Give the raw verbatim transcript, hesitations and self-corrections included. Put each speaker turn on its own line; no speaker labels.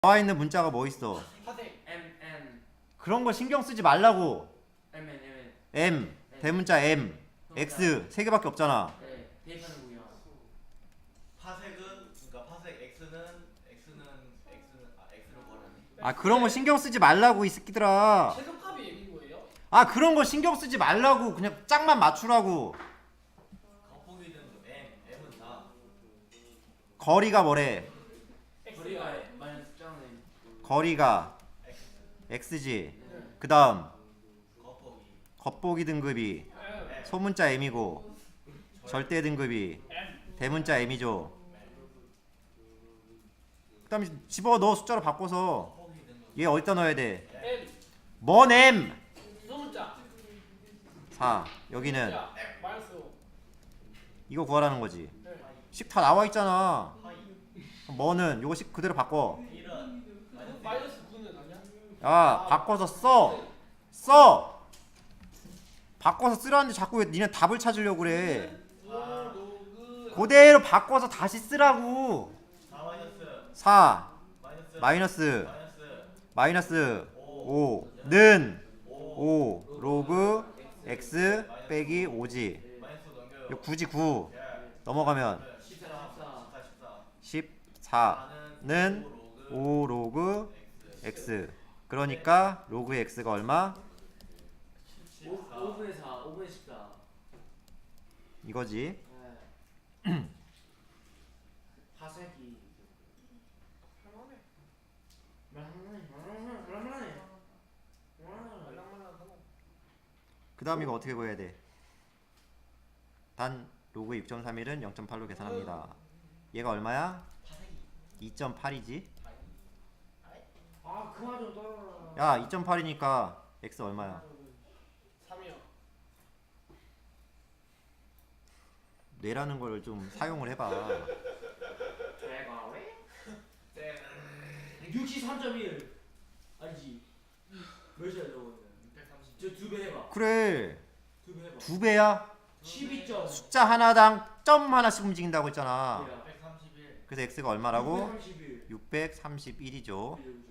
나와 있는 문자가 뭐 있어?
파생 M N
그런 거 신경 쓰지 말라고.
M N M N
M 대문자 M X 세 개밖에 없잖아.
네 대입하는 거야.
파색은 그러니까 파색 X는 X는 X는 아 X를 구하라니.
아 그런 거 신경 쓰지 말라고 이 새끼들아.
최소값이 M인 거예요?
아 그런 거 신경 쓰지 말라고. 그냥 짝만 맞추라고.
겉보기는 M M은 다
거리가 뭐래?
거리가 마이너스 짱은
거리가
X
X지.
네.
그 다음
겉보기
겉보기 등급이
M.
소문자 M이고 절대 등급이
M.
대문자 M이죠. 그 다음에 집어넣어 숫자로 바꿔서
겉보기 등급
얘 어디다 넣어야 돼?
M.
뭔 M?
소문자.
사 여기는
자, 마이너스 오.
이거 구하라는 거지.
네.
식 다 나와 있잖아.
하이
뭐는 요거 식 그대로 바꿔.
일은 마이너스
마이너스 구는 아니야?
야 바꿔서 써. 써. 바꿔서 쓰라는데 자꾸 왜 니네 답을 찾으려고 그래.
오, 로그.
그대로 바꿔서 다시 쓰라고.
사 마이너스
사
마이너스
마이너스
마이너스
마이너스 오는
오
오 로그 x 빼기 오지.
마이너스 넘겨요.
이거 구지 구.
예.
넘어가면
십사 십사
십사는
십사는
오 로그
X
x. 그러니까 로그 x가 얼마?
오 분의 사 오 분의 십사.
이거지.
네. 파색이
할만해.
말랑말랑해 말랑말랑해 말랑말랑해 말랑말랑해.
말랑말랑하고.
그 다음 이거 어떻게 구해야 돼? 단 로그 육 점 삼일은 영 점 팔로 계산합니다. 얘가 얼마야? 이 점 팔이지?
아 그만 좀 떨어라.
야 이 점 팔이니까 x 얼마야?
삼이요.
뇌라는 걸 좀 사용을 해봐.
제가 왜? 육십삼 점 일 아니지 몇이야 저거는?
육백삼십
저 두 배 해봐.
그래
두 배 해봐.
두 배야?
십이 점
숫자 하나당 점 하나씩 움직인다고 했잖아.
육백삼십일
그래서 x가 얼마라고?
삼십일
육백삼십일이죠.